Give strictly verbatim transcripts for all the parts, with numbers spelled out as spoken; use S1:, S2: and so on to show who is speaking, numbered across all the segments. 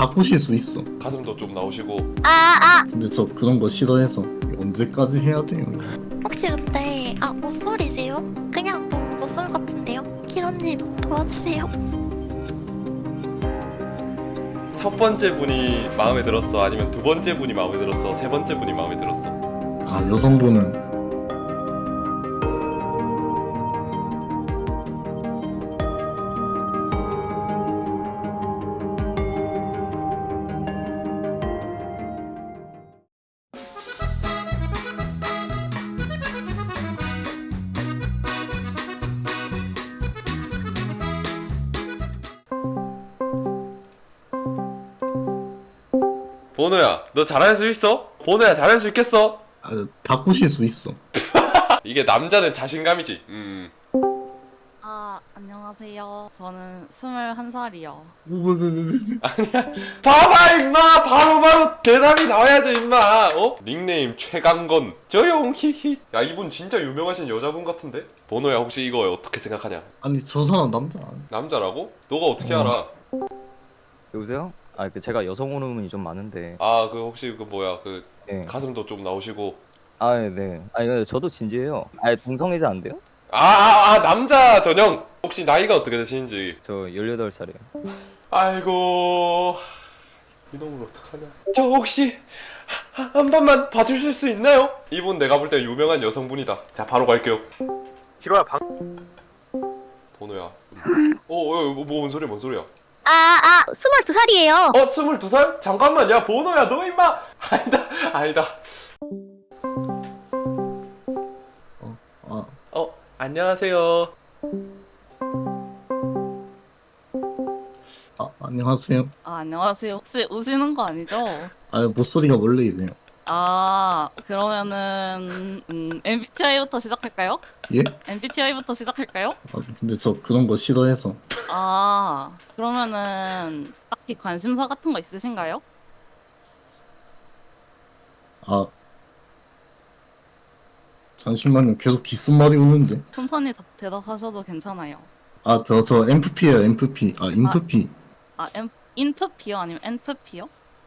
S1: 다 꼬실 수 있어.
S2: 가슴도 좀 나오시고.
S3: 아, 아,
S1: 근데 저 그런 거 싫어해서 언제까지 해야 돼요?
S3: 혹시 근데, 아, 모쏠이세요? 그냥 너무 모쏠 같은데요? 키로님, 도와주세요.
S2: 첫 번째 분이 마음에 들었어? 아니면 두 번째 분이 마음에 들었어? 세 번째 분이 마음에 들었어?
S1: 아, 여성분은
S2: 보노야, 너 잘할 수 있어? 보노야, 잘할 수 있겠어?
S1: 아, 다 꼬실 수 있어.
S2: 이게 남자는 자신감이지. 음.
S4: 아, 안녕하세요. 저는 스물한 살이요.
S2: 봐봐 임마, 바로바로 대답이 나와야죠 임마. 어? 닉네임 최강건 조용 히히. 야, 이분 진짜 유명하신 여자분 같은데? 보노야, 혹시 이거 어떻게 생각하냐?
S1: 아니, 저 사람 남자 아니야.
S2: 남자라고? 너가 어떻게
S1: 어.
S2: 알아?
S5: 여보세요? 아, 그 제가 여성 호르몬이 좀 많은데.
S2: 아, 그 혹시 그 뭐야, 그
S5: 네.
S2: 가슴도 좀 나오시고.
S5: 아, 네. 아, 이거 저도 진지해요. 아, 동성애자 안 돼요?
S2: 아, 아, 아, 남자 전용. 혹시 나이가 어떻게 되시는지?
S5: 저 열여덟 살이에요.
S2: 아이고, 이놈을 어떡하냐. 저 혹시 하- 한 번만 봐주실 수 있나요? 이분 내가 볼 때 유명한 여성분이다. 자, 바로 갈게요.
S6: 기로야 방
S2: 보노야. 어, 어, 뭐, 뭔 소리야, 뭔 소리야?
S3: 아, 아, 스물두 살이에요.
S2: 어, 스물두 살? 잠깐만, 야, 보노야, 너 임마! 아니다, 아니다.
S1: 아,
S2: 어, 안녕하세요.
S1: 아, 안녕하세요.
S4: 아, 안녕하세요. 혹시 우시는 거 아니죠?
S1: 아, 목소리가 원래 이래요.
S4: 아, 그러면은 음, 엠비티아이부터 시작할까요?
S1: 예?
S4: 엠비티아이부터 시작할까요?
S1: 아, 근데 저 그런 거 싫어해서.
S4: 아, 그러면은 딱히 관심사 같은 거 있으신가요?
S1: 아, 잠시만요. 계속 귓속말이 오는데.
S4: 천천히 답, 대답하셔도 괜찮아요.
S1: 아, 저, 저 엠프피예요, 엠프피. 아, 인프피.
S4: 아, 엠, 인프피요? 아니면 엔프피요?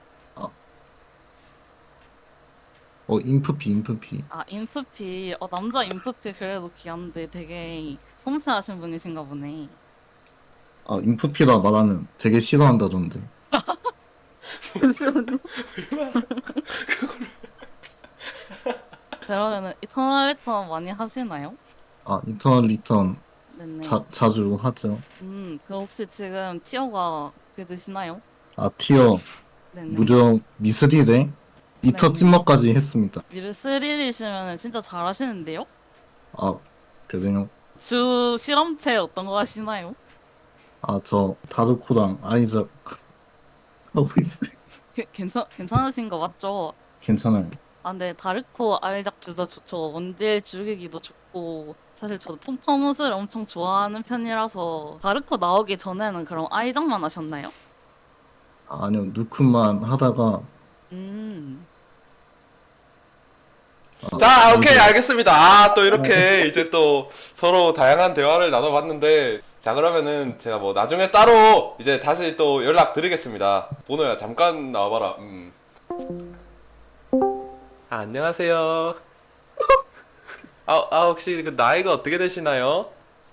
S1: 어, 인프피, 인프피.
S4: 아, 인프피. 어, 남자 인프피 그래도 귀한데 되게 섬세하신 분이신가 보네.
S1: 아, 인프피라 말하면 되게 싫어한다던데.
S4: 잠시만요. 그러면은 이터널 리턴 많이 하시나요?
S1: 아, 인터널 리턴
S4: 네네.
S1: 자, 자주 하죠.
S4: 음, 그럼 혹시 지금 티어가 어떻게 되시나요?
S1: 아, 티어
S4: 네네.
S1: 무려 미스릴에 이터
S4: 네.
S1: 찐먹까지 했습니다.
S4: 미르스릴이시면 진짜 잘하시는데요?
S1: 아, 그래요?
S4: 주 실험체 어떤 거 하시나요?
S1: 아, 저 다르코랑 아이작 하고 있어요.
S4: 게, 괜찮, 괜찮으신 거 맞죠?
S1: 괜찮아요.
S4: 아, 근데 다르코 아이작 둘 다 좋죠. 원딜 죽이기도 좋고 사실 저도 톰퍼mus을 엄청 좋아하는 편이라서 다르코 나오기 전에는 그럼 아이작만 하셨나요?
S1: 아, 아니요, 누크만 하다가
S4: 음,
S1: 아,
S2: 자, 오케이,
S1: 이제-
S2: 알겠습니다. 아, 또 이렇게 이제 또 서로 다양한 대화를 나눠봤는데, 자, 그러면은 제가 뭐 나중에 따로 이제 다시 또 연락 드리겠습니다. 보노야, 잠깐 나와봐라. 음. 아, 안녕하세요. 아, 아, 혹시 그 나이가 어떻게 되시나요?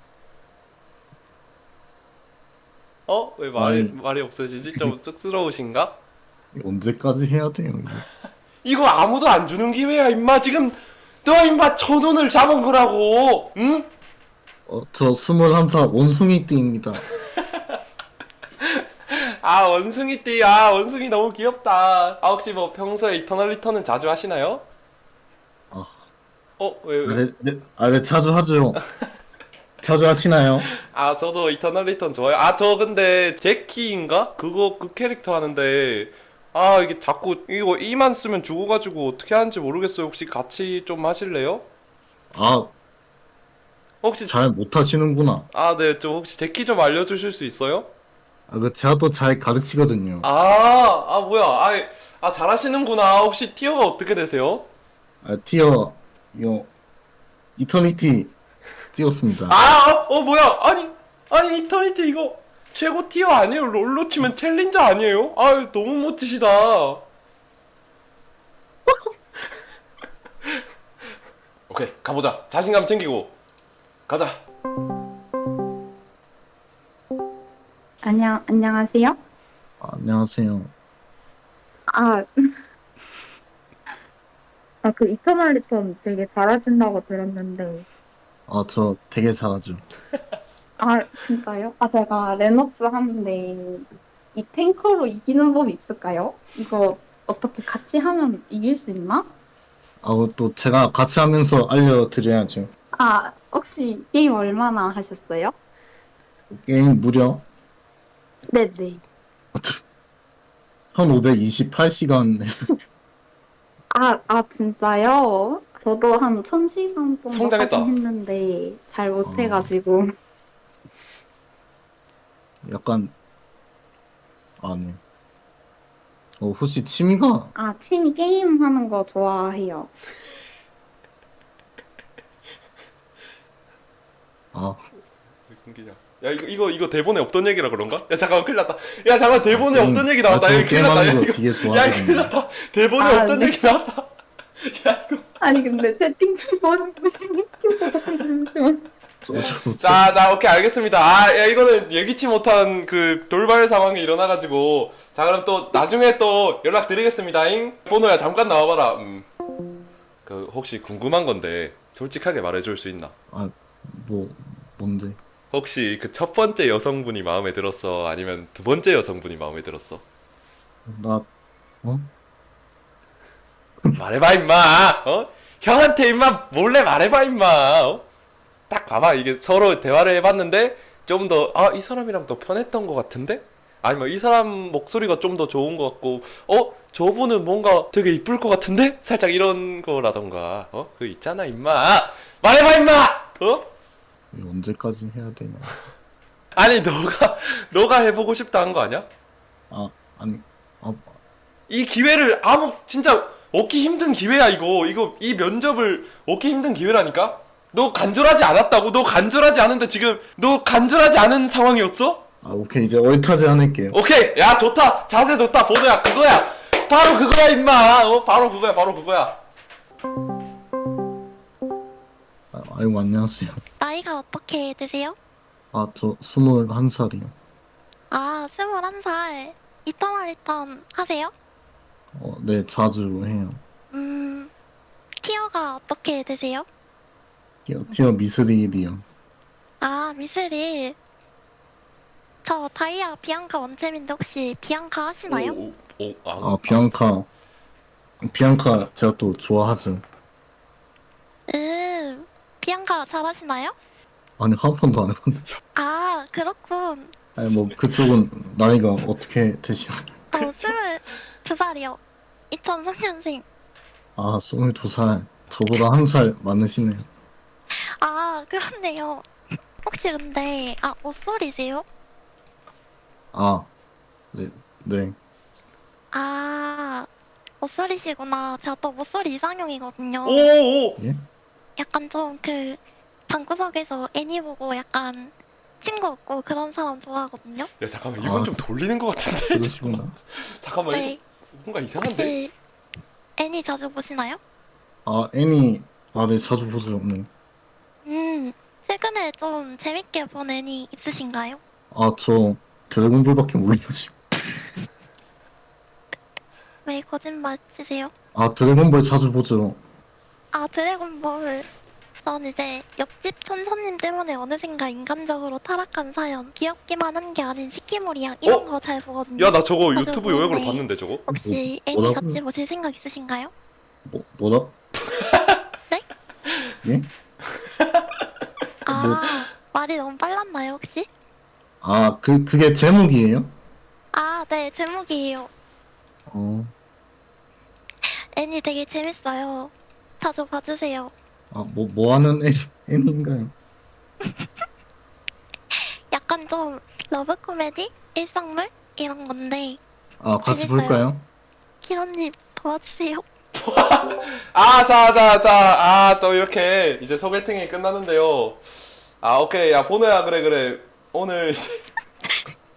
S2: 어? 왜 말이,
S1: 아니.
S2: 말이 없으시지? 좀 쑥스러우신가?
S1: 언제까지 해야 돼요, 이거?
S2: 이거 아무도 안 주는 기회야, 임마. 지금 너 임마 천 원을 잡은 거라고. 응?
S1: 어, 저 스물한 살 원숭이띠입니다.
S2: 아, 원숭이띠. 아, 원숭이 너무 귀엽다. 아, 혹시 뭐 평소에 이터널 리턴은 자주 하시나요?
S1: 아,
S2: 어, 왜, 왜?
S1: 네, 네, 아, 네, 자주 하죠. 자주 하시나요?
S2: 아, 저도 이터널 리턴 좋아요. 아, 저 근데 제키인가? 그거 그 캐릭터 하는데, 아, 이게 자꾸 이거 이만 쓰면 죽어가지고 어떻게 하는지 모르겠어요. 혹시 같이 좀 하실래요?
S1: 아,
S2: 혹시
S1: 잘 못하시는구나.
S2: 아, 네, 좀 혹시 제키 좀 알려주실 수 있어요?
S1: 아, 그 제가 또 잘 가르치거든요.
S2: 아, 아, 뭐야. 아, 아, 잘하시는구나. 혹시 티어가 어떻게 되세요?
S1: 아, 티어 이거 이터니티 찍었습니다.
S2: 아, 어, 어, 뭐야. 아니, 아니, 이터니티 이거. 최고 티어 아니에요? 롤로 치면 챌린저 아니에요? 아유 너무 멋지시다. 오케이 가보자. 자신감 챙기고 가자.
S6: 안녕, 안녕하세요?
S1: 아, 안녕하세요.
S6: 아, 아, 그 이터널 리턴 되게 잘하신다고 들었는데.
S1: 아, 저 되게 잘하죠.
S6: 아, 진짜요? 아, 제가 레녹스 하는데 이 탱커로 이기는 법이 있을까요? 이거 어떻게 같이 하면 이길 수 있나?
S1: 아, 또 제가 같이 하면서 알려드려야죠.
S6: 아, 혹시 게임 얼마나 하셨어요?
S1: 게임 무려
S6: 네네.
S1: 천오백이십팔 시간 했어요.
S6: 아, 아, 진짜요? 저도 한 천 시간 정도
S2: 성장했다.
S6: 하긴 했는데 잘 못해가지고.
S1: 약간 아니. 어, 혹시 취미가
S6: 아, 취미 게임 하는 거 좋아해요.
S1: 아,
S2: 끊기자. 야 이거 이거 이거 대본에 없던 얘기라 그런가? 야 잠깐만 큰일 났다. 야 잠깐 대본에
S1: 게임-
S2: 없던 얘기
S1: 아,
S2: 나왔다.
S1: 저
S2: 야 큰일 났다. 야
S1: 게임하는 거
S2: 이거
S1: 되게
S2: 야
S1: 좋아하거든요.
S2: 큰일 났다. 대본에
S6: 아,
S2: 없던
S6: 네.
S2: 얘기 나왔다. 야 이거.
S6: 아니 근데 채팅창 보는 거 잠시만.
S1: 저,
S2: 자, 자, 오케이, 알겠습니다. 아, 야, 이거는 예기치 못한 그 돌발 상황이 일어나가지고. 자, 그럼 또 나중에 또 연락드리겠습니다잉. 보노야, 잠깐 나와봐라. 음. 그, 혹시 궁금한 건데, 솔직하게 말해줄 수 있나?
S1: 아, 뭐 뭔데?
S2: 혹시 그 첫 번째 여성분이 마음에 들었어? 아니면 두 번째 여성분이 마음에 들었어?
S1: 나 어?
S2: 말해봐, 임마! 어? 형한테 임마 몰래 말해봐, 임마! 어? 딱 봐봐. 이게 서로 대화를 해봤는데, 좀 더, 아, 이 사람이랑 더 편했던 것 같은데? 아니면 이 사람 목소리가 좀 더 좋은 것 같고, 어? 저분은 뭔가 되게 이쁠 것 같은데? 살짝 이런 거라던가, 어? 그 있잖아, 임마! 말해봐, 임마! 어?
S1: 이거 언제까지 해야 되냐?
S2: 아니, 너가, 너가 해보고 싶다 한 거 아니야?
S1: 아, 아니, 아,
S2: 이 기회를 아무, 진짜, 얻기 힘든 기회야, 이거. 이거, 이 면접을 얻기 힘든 기회라니까? 너 간절하지 않았다고? 너 간절하지 않은데 지금, 너 간절하지 않은 상황이었어?
S1: 아, 오케이 이제 얼타지 않을게요.
S2: 오케이! 야, 좋다! 자세 좋다! 보도야, 그거야! 바로 그거야, 임마! 어, 바로 그거야, 바로 그거야.
S1: 아, 아이고 안녕하세요.
S3: 나이가 어떻게 되세요?
S1: 아, 저 스물한 살이요.
S3: 아, 스물한 살. 이터널 리턴 하세요?
S1: 어, 네 자주 해요.
S3: 음, 티어가 어떻게 되세요?
S1: 티어, 티어 미스릴이요.
S3: 아, 미스릴. 저 다이아 비앙카 원챔인데 혹시 비앙카 하시나요?
S2: 오, 오, 오, 아,
S1: 아, 비앙카, 비앙카 제가 또 좋아하죠.
S3: 음, 비앙카 잘하시나요?
S1: 아니 한 번도 안 해봤는데.
S3: 아, 그렇군.
S1: 아니 뭐 그쪽은 나이가 어떻게 되시나요?
S3: 저 스물두 살이요. 이천삼 년생.
S1: 아, 스물두 살. 저보다 한 살 많으시네요.
S3: 아, 그렇네요. 혹시 근데, 아, 옷소리세요?
S1: 아, 네, 네.
S3: 아, 옷소리시구나. 제가 또 옷소리 이상형이거든요.
S2: 오, 오!
S1: 예?
S3: 약간 좀 그, 방구석에서 애니 보고 약간 친구 없고 그런 사람 좋아하거든요.
S2: 야, 잠깐만, 이건
S1: 아,
S2: 좀 돌리는 것 같은데?
S1: 그러시구나.
S2: 잠깐만,
S3: 네.
S2: 이거 뭔가 이상한데?
S3: 혹시 애니 자주 보시나요?
S1: 아, 애니, 아, 네, 자주 보죠. 네.
S3: 음, 최근에 좀 재밌게 본 애니 있으신가요?
S1: 아, 저 드래곤볼밖에 모르겠어요.
S3: 왜 거짓말 치세요?
S1: 아, 드래곤볼 자주 보죠.
S3: 아, 드래곤볼. 전 이제 옆집 천사님 때문에 어느샌가 인간적으로 타락한 사연. 귀엽기만 한 게 아닌 시키모리양 이런
S2: 어?
S3: 거 잘 보거든요.
S2: 야, 나 저거
S3: 자주
S2: 유튜브 요약으로
S3: 보는데
S2: 봤는데, 저거?
S3: 혹시
S1: 뭐,
S3: 애니
S1: 뭐라고요?
S3: 같이 보실 생각 있으신가요?
S1: 뭐, 뭐라?
S3: 네?
S1: 예?
S3: 아,
S1: 뭐-
S3: 말이 너무 빨랐나요, 혹시?
S1: 아, 그, 그게 제목이에요?
S3: 아, 네, 제목이에요.
S1: 어,
S3: 애니 되게 재밌어요. 자주 봐주세요.
S1: 아, 뭐, 뭐 하는 애, 애니인가요?
S3: 약간 좀 러브 코미디? 일상물? 이런 건데
S1: 아, 같이
S3: 재밌어요.
S1: 볼까요?
S3: 키로님 도와주세요.
S2: 아, 자, 자, 자, 아, 또 이렇게 이제 소개팅이 끝났는데요. 아, 오케이. 야, 보노야, 그래, 그래. 오늘 이제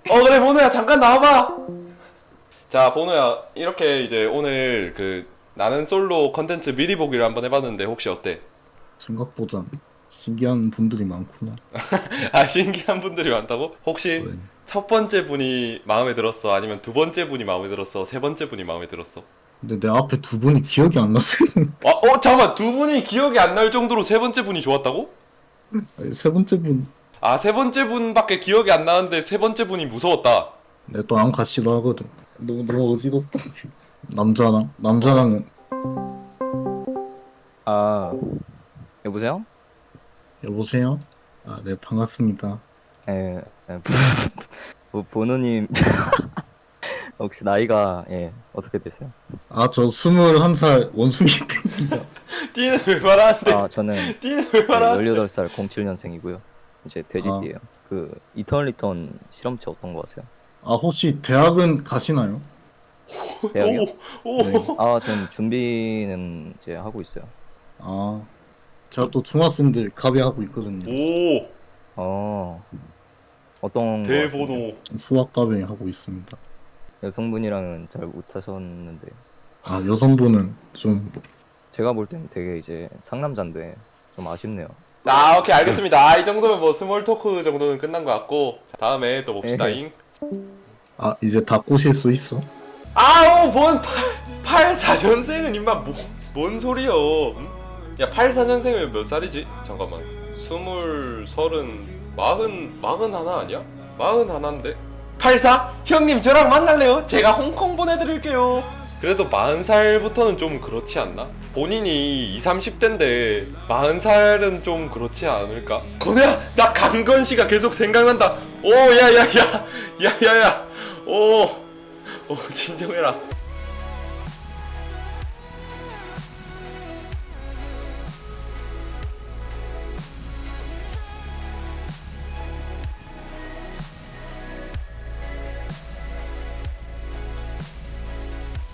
S2: 어 그래 보노야 잠깐 나와봐. 자 보노야 이렇게 이제 오늘 그 나는 솔로 컨텐츠 미리 보기를 한번 해봤는데 혹시 어때?
S1: 생각보다 신기한 분들이 많구나.
S2: 아 신기한 분들이 많다고? 혹시
S1: 네.
S2: 첫 번째 분이 마음에 들었어? 아니면 두 번째 분이 마음에 들었어? 세 번째 분이 마음에 들었어?
S1: 근데 내 앞에 두 분이 기억이 안 났어요.
S2: 아, 어 잠깐만 두 분이 기억이 안 날 정도로 세 번째 분이 좋았다고?
S1: 아니, 세 번째 분,
S2: 아 세 번째 분밖에 기억이 안 나는데 세 번째 분이 무서웠다.
S1: 내 또 안 같이도 하거든. 너무 너무 어지럽다. 남자랑 남자랑은
S5: 아 여보세요?
S1: 여보세요? 아, 네 반갑습니다.
S5: 예, 예. 보- 보노님 혹시 나이가 예 어떻게 되세요?
S1: 아, 저 스물한 살 원숭이 땡입니다.
S2: 띠는 왜 말하는데?
S5: 아 저는
S2: 띠는 왜 말하는데?
S5: 열여덟 살 공칠 년생이고요. 이제 돼지띠예요. 그 이터널 리턴 실험체 어떤 거 하세요?
S1: 아, 혹시 대학은 가시나요?
S5: 대학이요?
S2: 오, 오.
S1: 네.
S5: 아 전 준비는 이제 하고 있어요.
S1: 아, 제가 또 중학생들 가비하고 있거든요.
S2: 오,
S5: 어 어떤 거 하시나요?
S2: 대번호.
S1: 수학 가비 하고 있습니다.
S5: 여성분이랑은 잘 못하셨는데
S1: 아, 여성분은 좀
S5: 제가 볼 때는 되게 이제 상남자인데 좀 아쉽네요.
S2: 아, 오케이, 알겠습니다. 아, 이 정도면 뭐 스몰 토크 정도는 끝난 것 같고. 자, 다음에 또 봅시다잉.
S1: 아, 이제 다 꼬실 수 있어?
S2: 아우, 뭔 팔십사 년생은 임마, 뭐, 뭔 소리여. 응? 야, 팔십사 년생이면 몇 살이지? 잠깐만. 스물, 서른, 마흔, 마흔 하나 아니야? 마흔 하나인데? 팔십사? 형님, 저랑 만날래요? 제가 홍콩 보내드릴게요. 그래도 마흔 살부터는 좀 그렇지 않나? 본인이 이십, 삼십 대인데 마흔 살은 좀 그렇지 않을까? 건우야! 나 강건 씨가 계속 생각난다! 오, 야, 야, 야! 야, 야, 야! 오! 오, 진정해라.